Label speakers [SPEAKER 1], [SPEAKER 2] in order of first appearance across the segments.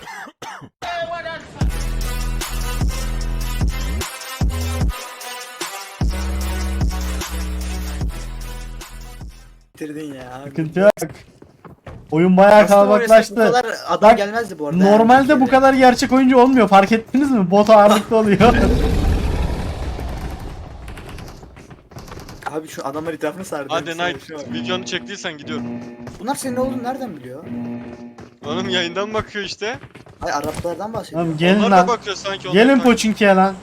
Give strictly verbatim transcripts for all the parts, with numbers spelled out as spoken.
[SPEAKER 1] Bitirdin ya.
[SPEAKER 2] Sıkıntı yok. Oyun bayağı
[SPEAKER 1] Aslında
[SPEAKER 2] kalabalıklaştı.
[SPEAKER 1] Bu kadar adam
[SPEAKER 2] Bak,
[SPEAKER 1] gelmezdi bu arada.
[SPEAKER 2] Normalde
[SPEAKER 1] yani
[SPEAKER 2] bu kadar gerçek oyuncu olmuyor. Fark ettiniz mi? Bot ağırlıklı oluyor.
[SPEAKER 1] Abi şu adamlar etrafını sardı.
[SPEAKER 3] Hadi
[SPEAKER 1] Bir saniye,
[SPEAKER 3] Knight,
[SPEAKER 1] şu an.
[SPEAKER 3] videonu çektiysen gidiyorum.
[SPEAKER 1] Bunlar senin ne olduğunu nereden biliyor?
[SPEAKER 3] Oğlum yayından bakıyor işte.
[SPEAKER 1] Ay Araplardan bahsediyor.
[SPEAKER 2] Oğlum gelin
[SPEAKER 3] Onlar da
[SPEAKER 2] lan.
[SPEAKER 3] bakıyor sanki. onlar
[SPEAKER 2] Gelin
[SPEAKER 3] takip-
[SPEAKER 2] Poçinki'ye lan.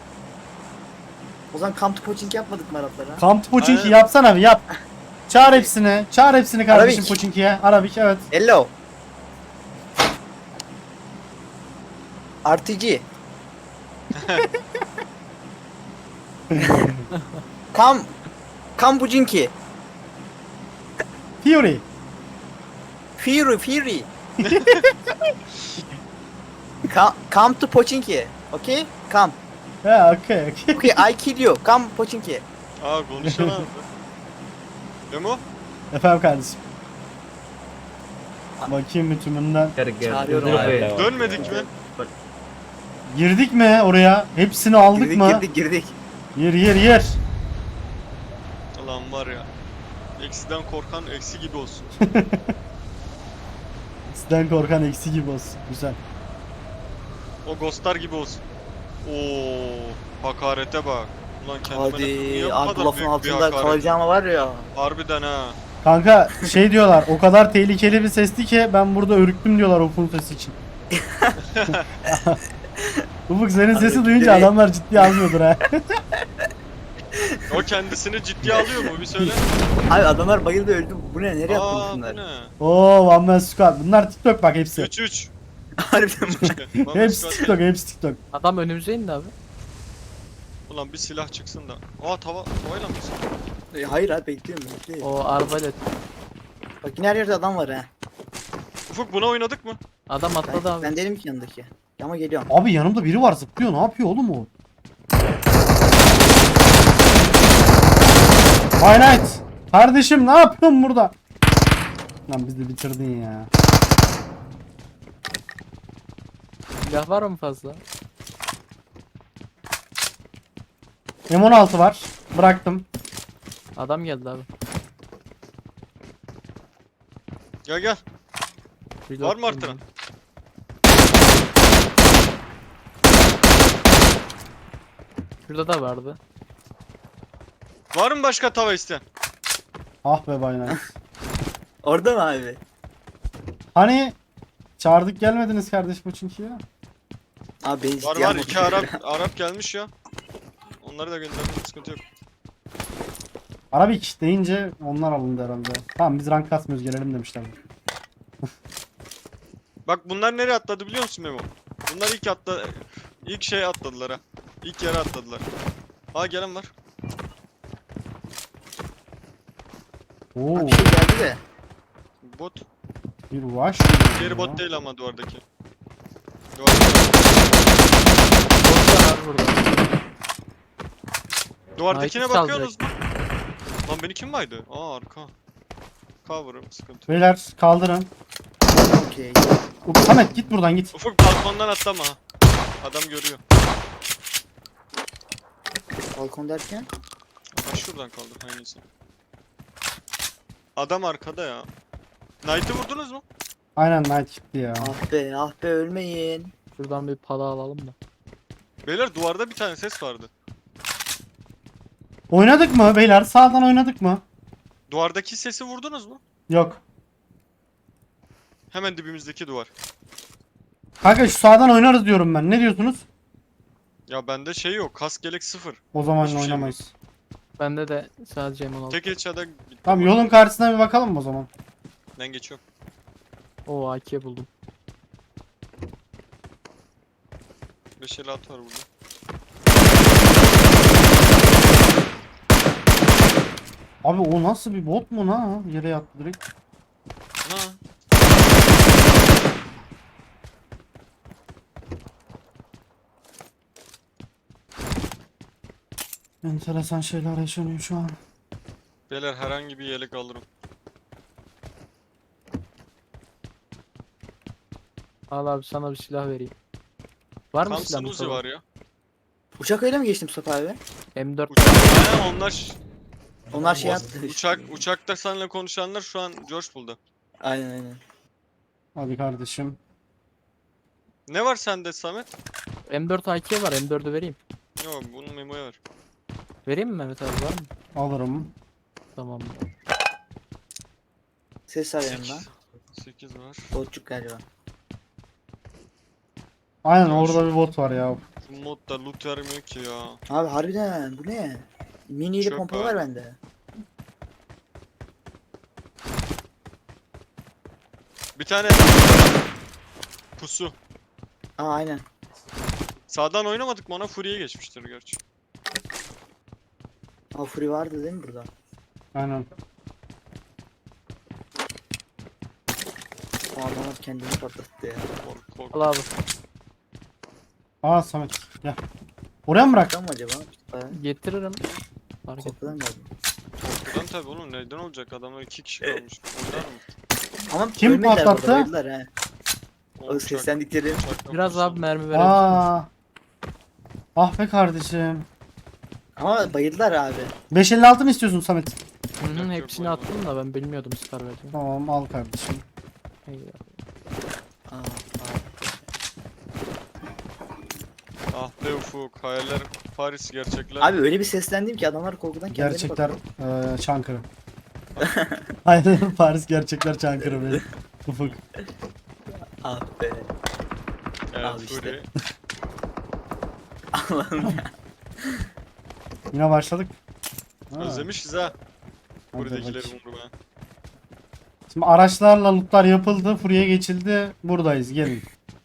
[SPEAKER 1] O zaman kamp to coaching yapmadık mı Araplara?
[SPEAKER 2] Kamp Poçinki
[SPEAKER 3] Aynen.
[SPEAKER 2] yapsana bir yap. Çağır hepsini. Çağır hepsini kardeşim
[SPEAKER 1] Arabik.
[SPEAKER 2] Poçinki'ye. Arabik evet.
[SPEAKER 1] Hello. R T G. Kam Kambucinki.
[SPEAKER 2] Fury.
[SPEAKER 1] Fury Fury. Come, come to Pochinki. Okay? Come.
[SPEAKER 2] Ha okey okey.
[SPEAKER 1] Okay, I kill you. Come Pochinki.
[SPEAKER 3] Aa konuşan abi. Memo?
[SPEAKER 2] Efendim kardeşim. Bakayım bir tümünden.
[SPEAKER 1] Çağırıyorum abi.
[SPEAKER 3] Dönmedik mi?
[SPEAKER 2] Girdik mi oraya? Hepsini aldık
[SPEAKER 1] Girdik
[SPEAKER 2] mı?
[SPEAKER 1] girdik girdik.
[SPEAKER 2] Yer yer yer.
[SPEAKER 3] Ulan var ya. Eksiden korkan eksi gibi olsun.
[SPEAKER 2] Sizden korkan eksi gibi olsun. Güzel.
[SPEAKER 3] O ghostlar gibi olsun. Oo, hakarete bak. Ulan kendime niye
[SPEAKER 1] Hadi
[SPEAKER 3] bu
[SPEAKER 1] abi
[SPEAKER 3] kadar
[SPEAKER 1] lafın
[SPEAKER 3] büyük bir
[SPEAKER 1] altında
[SPEAKER 3] hakaret?
[SPEAKER 1] kalacağım var ya.
[SPEAKER 3] Harbiden ha.
[SPEAKER 2] Kanka şey diyorlar o kadar tehlikeli bir sesti ki ben burada ürktüm diyorlar Ufuk'un sesi için. Ufuk senin sesi
[SPEAKER 1] Abi,
[SPEAKER 2] duyunca
[SPEAKER 1] ciddi.
[SPEAKER 2] adamlar ciddiye almıyordur ha.
[SPEAKER 3] O kendisini ciddiye alıyor mu bir söyle.
[SPEAKER 1] Abi adamlar bayıldı öldü. Bu ne? Nereye
[SPEAKER 3] Aa
[SPEAKER 1] attın
[SPEAKER 3] bu
[SPEAKER 1] bunlar?
[SPEAKER 3] ne?
[SPEAKER 2] Oo One Man Squad. Bunlar TikTok bak hepsi.
[SPEAKER 3] üç üç.
[SPEAKER 1] Harbiden bu.
[SPEAKER 2] Hepsi TikTok, hepsi TikTok.
[SPEAKER 4] Adam önümüze indi abi.
[SPEAKER 3] Ulan bir silah çıksın da. Aa tava tavayla mı sıkıyor?
[SPEAKER 1] E, Hayır abi bekliyorum bekliyorum.
[SPEAKER 4] O arbalet.
[SPEAKER 1] Bak yine her yerde adam var ha.
[SPEAKER 3] Ufuk buna oynadık mı?
[SPEAKER 4] Adam atladı
[SPEAKER 1] Ben,
[SPEAKER 4] abi.
[SPEAKER 1] ben değilim ki yanındaki. Ama geliyorum.
[SPEAKER 2] Abi yanımda biri var zıplıyor. Ne yapıyor oğlum o? Why Night. Kardeşim ne yapıyorsun burada? Lan bizi bitirdin ya.
[SPEAKER 4] Silah var mı fazla?
[SPEAKER 2] M on altı var. Bıraktım.
[SPEAKER 4] Adam geldi abi.
[SPEAKER 3] Gel gel.
[SPEAKER 4] Reload
[SPEAKER 3] Var mı artıran?
[SPEAKER 4] Şurada da vardı.
[SPEAKER 3] Var mı başka tava isteyen?
[SPEAKER 2] Ah be Why Night.
[SPEAKER 1] Orada mı abi?
[SPEAKER 2] Hani çağırdık gelmediniz kardeş bu çünkü ya.
[SPEAKER 1] Abi beni
[SPEAKER 3] Var
[SPEAKER 1] ciddiye
[SPEAKER 3] var
[SPEAKER 1] almadı.
[SPEAKER 3] iki Arap Arap gelmiş ya. Onları da gönderdim sıkıntı yok.
[SPEAKER 2] Arabik deyince onlar alındı herhalde. Tamam biz rank kasmıyoruz gelelim demişler.
[SPEAKER 3] Bak bunlar nereye atladı biliyor musun Memo? Bunlar ilk atla ilk şey atladılar ha. İlk yere atladılar. Aa gelen var.
[SPEAKER 2] Oo
[SPEAKER 1] Abi bir şey geldi de.
[SPEAKER 3] Bot.
[SPEAKER 2] bir rush.
[SPEAKER 3] Diğeri bot değil ama duvardaki. Duvardaki.
[SPEAKER 4] Botlar abi burada.
[SPEAKER 3] Duvardakine
[SPEAKER 4] Knight'ı
[SPEAKER 3] bakıyorsunuz mu? Lan beni kim baydı? Aa arka. Cover'ım sıkıntı.
[SPEAKER 2] Beyler kaldırın.
[SPEAKER 1] Okey.
[SPEAKER 2] Ufuk, Samet git buradan git.
[SPEAKER 3] Ufuk balkondan atlama ha. Adam görüyor.
[SPEAKER 1] Balkon derken?
[SPEAKER 3] Ha şuradan kaldır aynısı. Adam arkada ya. Knight'ı vurdunuz mu?
[SPEAKER 2] Aynen Night gitti ya.
[SPEAKER 1] Ah be ah be ölmeyin.
[SPEAKER 4] Şuradan bir pala alalım da.
[SPEAKER 3] Beyler duvarda bir tane ses vardı.
[SPEAKER 2] Oynadık mı beyler? Sağdan oynadık mı?
[SPEAKER 3] Duvardaki sesi vurdunuz mu?
[SPEAKER 2] Yok.
[SPEAKER 3] Hemen dibimizdeki duvar.
[SPEAKER 2] Kanka şu sağdan oynarız diyorum ben. Ne diyorsunuz?
[SPEAKER 3] Ya bende şey yok. Kask gelek sıfır.
[SPEAKER 2] O zaman
[SPEAKER 3] Hiçbir şey
[SPEAKER 2] oynamayız.
[SPEAKER 4] Bende de sadece M on altı.
[SPEAKER 3] Tek headshot'a
[SPEAKER 2] Tamam yolun karşısına bir bakalım mı o zaman?
[SPEAKER 3] Ben geçiyorum.
[SPEAKER 4] Oo A K buldum.
[SPEAKER 3] beş elli altı var burada.
[SPEAKER 2] Abi o nasıl bir bot mu lan? Yere yattı direkt.
[SPEAKER 3] Ha.
[SPEAKER 2] Enteresan şeyler yaşanıyor şu an.
[SPEAKER 3] Beyler herhangi bir yelek alırım.
[SPEAKER 4] Al abi sana bir silah vereyim. Var mı silah
[SPEAKER 3] Thompson Uzi
[SPEAKER 4] Mustafa?
[SPEAKER 3] var ya.
[SPEAKER 1] Uçak öyle mi geçti Mustafa abi?
[SPEAKER 4] M dört
[SPEAKER 3] Uçak. He, onlar ş-
[SPEAKER 1] Onlar şey
[SPEAKER 3] o-
[SPEAKER 1] attı.
[SPEAKER 3] uçak uçakta seninle konuşanlar şu an George buldu.
[SPEAKER 1] Aynen aynen.
[SPEAKER 2] Hadi kardeşim.
[SPEAKER 3] Ne var sende Samet?
[SPEAKER 4] M dört A K var. M dördü vereyim.
[SPEAKER 3] Yok bunu Memo'ya ver.
[SPEAKER 4] Vereyim mi Mehmet abi, var mı?
[SPEAKER 2] Alırım.
[SPEAKER 4] Tamam.
[SPEAKER 1] Ses var yanında.
[SPEAKER 3] sekiz var.
[SPEAKER 1] Botçuk galiba.
[SPEAKER 2] Aynen
[SPEAKER 3] Ya
[SPEAKER 2] orada
[SPEAKER 3] şu-
[SPEAKER 2] bir bot var ya.
[SPEAKER 3] Bu modda loot vermiyor ki ya.
[SPEAKER 1] Abi harbiden bu ne? Mini ile
[SPEAKER 3] Çöp
[SPEAKER 1] pompalı
[SPEAKER 3] abi.
[SPEAKER 1] var bende.
[SPEAKER 3] Bir tane pusu.
[SPEAKER 1] Aa aynen.
[SPEAKER 3] Sağdan oynamadık mı ona Fury'ye geçmiştir gerçi.
[SPEAKER 1] Aa Fury vardı değil mi burada?
[SPEAKER 2] Aynen.
[SPEAKER 1] O adamlar kendini patlattı ya.
[SPEAKER 3] Kork kork.
[SPEAKER 4] Al abi.
[SPEAKER 2] Aa Samet gel. Oraya mı bırak?
[SPEAKER 1] Kapıdan mı acaba? Mustafa?
[SPEAKER 4] Getiririm. Fark et.
[SPEAKER 1] Kapıdan geldi.
[SPEAKER 3] Korkudan tabi oğlum neden olacak adamlar iki kişi kalmış. Oynar mı?
[SPEAKER 1] Ama
[SPEAKER 2] Kim
[SPEAKER 1] ölmediler burada,
[SPEAKER 2] patlattı?
[SPEAKER 1] bayıldılar he.
[SPEAKER 3] O
[SPEAKER 1] O
[SPEAKER 3] uçak-
[SPEAKER 1] seslendikleri.
[SPEAKER 3] uçaktan
[SPEAKER 4] Biraz
[SPEAKER 3] pusu.
[SPEAKER 4] abi mermi verelim.
[SPEAKER 2] Aa. Ah be kardeşim.
[SPEAKER 1] Ama bayıldılar abi.
[SPEAKER 2] beş elli altı mı istiyorsun Samet?
[SPEAKER 4] Hı hı,
[SPEAKER 3] Yok,
[SPEAKER 4] hepsini
[SPEAKER 3] yok,
[SPEAKER 4] attım da ben bilmiyordum Scar vereceğim.
[SPEAKER 2] Tamam al kardeşim.
[SPEAKER 4] Eyvallah.
[SPEAKER 1] Aa, aa.
[SPEAKER 3] Ah be ufuk hayaller Paris gerçekler.
[SPEAKER 1] Abi öyle bir seslendim ki adamlar korkudan kendileri
[SPEAKER 2] Gerçekler
[SPEAKER 1] patladı.
[SPEAKER 2] eee Çankırı. Aynen Paris gerçekler Çankırı benim. Ufuk.
[SPEAKER 1] Ah be.
[SPEAKER 3] Evet,
[SPEAKER 1] Al işte.
[SPEAKER 3] Fury.
[SPEAKER 1] Allah'ım ya.
[SPEAKER 2] Yine başladık. Ha,
[SPEAKER 3] Özlemişiz ha.
[SPEAKER 2] hadi
[SPEAKER 3] Buradakileri
[SPEAKER 2] bakayım.
[SPEAKER 3] vurmaya.
[SPEAKER 2] Şimdi araçlarla lootlar yapıldı. Fury'e geçildi. Buradayız gelin.